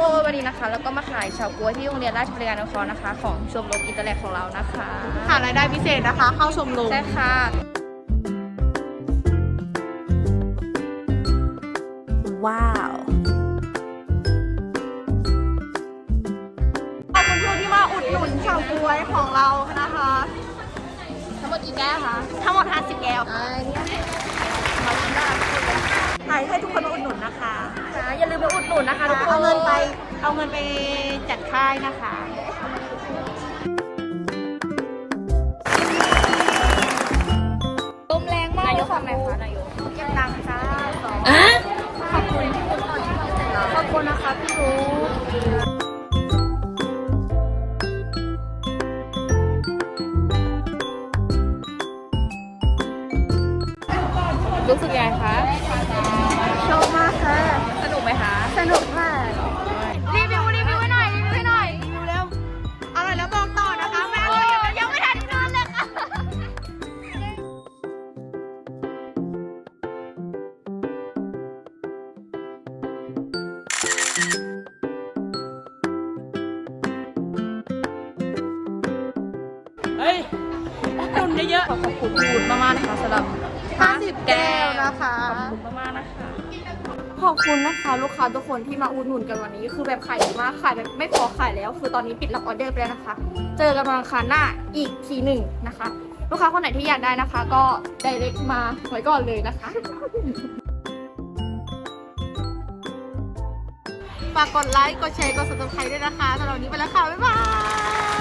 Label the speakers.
Speaker 1: วันนี้นะคะแล้วก็มาขายเฉาก๊วยที่โรงเรียนราชบริการนครนะคะของชมรมอินเตอร์แลกของเรานะคะ
Speaker 2: หารายได้พิเศษนะคะเข้าชมรม
Speaker 1: ใช่ค่ะว้าว
Speaker 2: ขอบคุณครูที่มาอุดหนุนเฉาก๊วยของเรานะคะ
Speaker 1: ทั้งหมดกี่แก้วคะ
Speaker 2: ทั้งหมด50แก้ว
Speaker 1: เนี่ยมาชิมได้
Speaker 2: ให้ทุกคนมาอุดหนุนนะคะ
Speaker 1: อย่าลืมมาอุดหนุนนะคะทุกคน
Speaker 2: เอาเงินไปจัดค่ายนะคะ
Speaker 1: ลมแรงมากนายกของไหนคะนายก
Speaker 2: เก็บตังค์จ้า
Speaker 1: ขอบคุณขอบคุณนะคะพี่รู้รู้สึกยังไงคะ
Speaker 2: ชอบมากค่ะ
Speaker 1: สนุกไหมคะ
Speaker 2: สนุกมาก
Speaker 1: รีวิวให้หน่อยรีวิว
Speaker 2: แล้วอร่อยแล้วบอกต่อนะคะแม่
Speaker 1: ยังไม่ทันกินเลยค่ะ
Speaker 2: เฮ้ยตุนเยอะ
Speaker 1: ขอบคุณคุณมากๆนะคะสำหรับ
Speaker 2: 50แก้วนะคะ
Speaker 1: ขอบคุณมากๆนะคะขอบคุณนะคะลูกค้าทุกคนที่มาอุดหนุนกันวันนี้คือแบบขายดีมากขายแบบไม่พอขายแล้วคือตอนนี้ปิดรับออเดอร์ไปแล้วนะคะ เจอกันวันอังคารหน้าอีกทีหนึ่งนะคะลูกค้าคนไหนที่อยากได้นะคะ ก็ไดเรกมาไว้ก่อนเลยนะคะ
Speaker 2: ฝากกดไลค์กดแชร์กด Subscribe ด้วยนะคะสำหรับวันนี้ไปแล้วค่ะบ๊ายบาย